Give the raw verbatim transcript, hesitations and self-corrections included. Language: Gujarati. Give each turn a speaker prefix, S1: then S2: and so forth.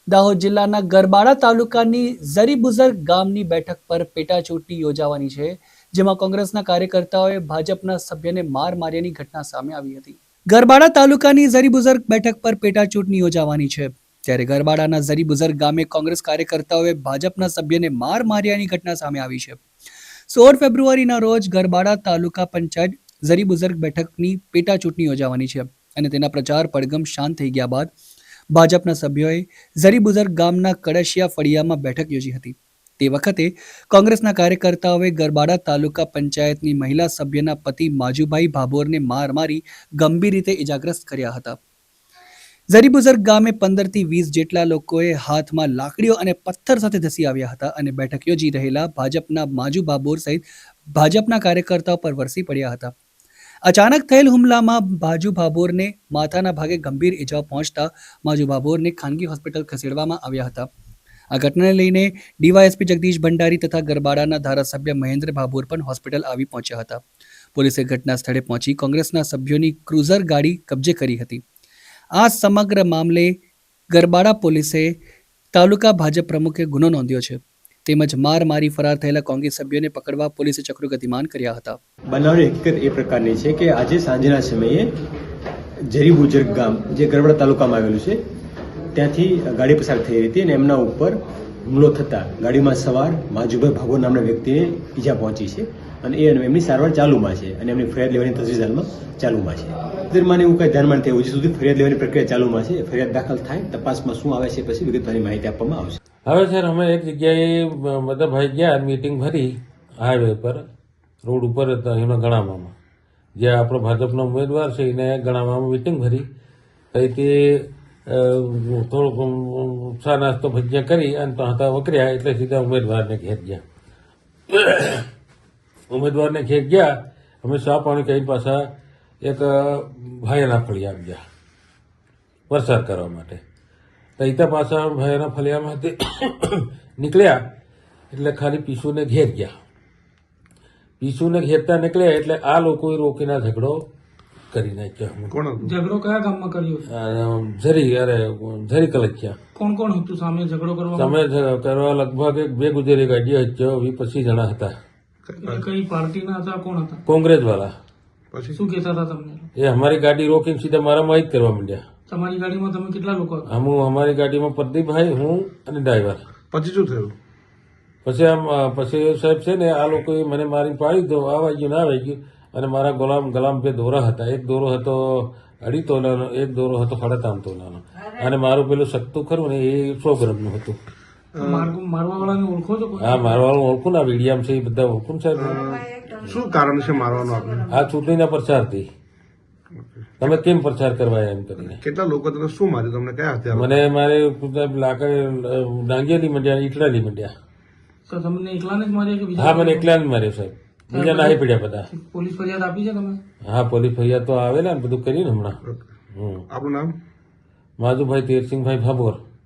S1: દાહોદ જિલ્લાના ગરબાડા તાલુકાની ઝરીબુઝર ગામની બેઠક પર પેટા ચૂંટણી યોજાવાની છે, જેમાં કોંગ્રેસના કાર્યકર્તાઓએ ભાજપના સભ્યને માર માર્યાની ઘટના સામે આવી હતી. ગરબાડા તાલુકાની ઝરીબુઝર બેઠક પર પેટા ચૂંટણી યોજાવાની છે, ત્યારે ગરબાડાના ઝરીબુઝર ગામે કોંગ્રેસ કાર્યકર્તાઓએ ભાજપના સભ્યને માર માર્યાની ઘટના સામે આવી છે. સોળ ફેબ્રુઆરીના રોજ ગરબાડા તાલુકા પંચાયત ઝરીબુઝર બેઠકની પેટા ચૂંટણી યોજાવાની છે અને તેના પ્રચાર પડઘમ શાંત થઈ ગયા બાદ ભાજપના સભ્યોએ ઝરીબુઝર ગામના કડશિયા ફળિયામાં બેઠક યોજી હતી. તે વખતે કોંગ્રેસના કાર્યકર્તાઓએ ગરબાડા તાલુકા પંચાયતની મહિલા સભ્યના પતિ માજુભાઈ ભાભોરને માર મારી ગંભીર રીતે ઇજાગ્રસ્ત કર્યા હતા. ઝરીબુઝર ગામે પંદર થી વીસ જેટલા લોકોએ હાથમાં લાકડીઓ અને પથ્થર સાથે ધસી આવ્યા હતા અને બેઠક યોજી રહેલા ભાજપના માજુ ભાભોર સહિત ભાજપના કાર્યકર્તાઓ પર વરસી પડ્યા હતા. અચાનક થયેલ હુમલામાં માજુ ભાભોરને માથાના ભાગે ગંભીર ઇજાઓ પહોંચતા માજુ ભાભોરને ખાનગી હોસ્પિટલ ખસેડવામાં આવ્યા હતા. આ ઘટનાને લઈને ડીવાયએસપી જગદીશ ભંડારી તથા ગરબાડાના ધારાસભ્ય મહેન્દ્ર ભાભોર પણ હોસ્પિટલ આવી પહોંચ્યા હતા. પોલીસે ઘટના સ્થળે પહોંચી કોંગ્રેસના સભ્યોની ક્રુઝર ગાડી કબજે કરી હતી. આ સમગ્ર મામલે ગરબાડા પોલીસે તાલુકા ભાજપ પ્રમુખે ગુનો નોંધ્યો છે, તેમજ માર મારી ફરાર થયેલા કોંગ્રેસ સભ્યોને પકડવા પોલીસે ચક્રો ગતિમાન કર્યા હતા.
S2: બનાવની હકીકત એ પ્રકારની છે કે આજે સાંજના સમયે ઝરીબુઝર ગામ જે ગરબાડા તાલુકામાં આવેલું છે ત્યાંથી ગાડી પસાર થઈ રહી હતી અને એમના ઉપર હુમલો થતાં ગાડીમાં સવાર માજુભાઈ ભાભોર નામના વ્યક્તિને ઈજા પહોંચી છે અને એ એમની સારવાર ચાલુમાં છે અને એમની ફરિયાદ લેવાની તજવીજ હાલમાં ચાલુમાં છે. દરમિયાન એવું કંઈ ધ્યાનમાં નથી, હજી સુધી ફરિયાદ લેવાની પ્રક્રિયા ચાલુમાં છે. ફરિયાદ દાખલ થાય, તપાસમાં શું આવે છે પછી વિગતવારની માહિતી આપવામાં આવશે.
S3: હવે સર અમે એક જગ્યાએ બધા ભાઈ ગયા મિટિંગ ભરી હાઈવે પર રોડ ઉપર હતા એમાં ગણાવામાં, જ્યાં આપણો ભાજપનો ઉમેદવાર છે એને ગણાવામાં મિટિંગ ભરી પછી તે થોડુંક ચા નાસ્તો ભજીયા કરી અને તો હતા વકર્યા એટલે સીધા ઉમેદવારને ઘેર ગયા. ઉમેદવારને ઘેર ગયા અમે ચા પાણી કહીને પાછા એક ભાઈના ફળિયા આવી ગયા વરસાદ કરવા માટે. તૈતા પાછા ભાઈના ફળિયામાંથી નીકળ્યા એટલે ખાલી પીસુને ઘેર ગયા. પીસુને ઘેરતા નીકળ્યા એટલે આ લોકોએ રોકીને ઝઘડો કરી નાખ્યો.
S4: ઝઘડો કયા ગામમાં કર્યો?
S3: ઝરી અરે ઝરી કલચ્યા.
S4: કોણ કોણ હતું સામે ઝઘડો કરવા?
S3: સામે કરવા લગભગ એક બે ગુજરી ગાડીઓ હતો, વીસ પચીસ જણા હતા.
S4: કઈ પાર્ટીના હતા? કોણ હતા?
S3: કોંગ્રેસ વાળા.
S4: પછી શું કહેતા હતા તમને?
S3: એ અમારી ગાડી રોકીને સીધા મારામાં જ કરવા માંડ્યા.
S4: તમારી ગાડીમાં તમે કેટલા લોકો હતા?
S3: હું અમારી ગાડીમાં પ્રદીપભાઈ, હું અને ડ્રાઈવર.
S5: પછી શું થયું?
S3: પછી આમ પછી સાહેબ છે ને આ લોકોએ મને મારી પાડી દો, આ વાગ્યું ના વાગ્યું અને મારા ગોલામ ગલામ બે દોરા હતા. એક દોરો હતો અઢી તોલાનો, એક દોરો હતો સાડા ત્રણ તોલાનો અને મારું પેલું સખ્તું ખરું ને એ સો ગ્રામનું હતું.
S4: મારવા વાળાને ઓળખો છો?
S3: હા, મારવા વાળું ઓળખું ને, આ વીડિયામ છે એ બધા ઓળખું સાહેબ.
S5: શું કારણ છે મારવાનું આપણે?
S3: આ ચૂંટણીના પ્રચારથી તમે કેમ પ્રચાર કરવા એમ કરીને.
S5: કેટલા લોકો તમે શું માર્યું? તમને કયા હત્યા?
S3: મને મારે લાકડ ડાંગિયાથી મંડ્યા, ઈટલાથી મંડ્યા.
S4: તો તમને એકલાને જ માર્યા કે બીજા?
S3: હા, મને એકલાને માર્યો સાહેબ, બીજા નાહી પડ્યા બધા.
S4: પોલીસ ફરિયાદ આપી છે તમે?
S3: હા, પોલીસ ફરિયાદ તો આવેલા ને બધું કર્યું ને હમણાં.
S5: આપણું નામ?
S3: માધુભાઈ તેરસિંહભાઈ ભાભોર.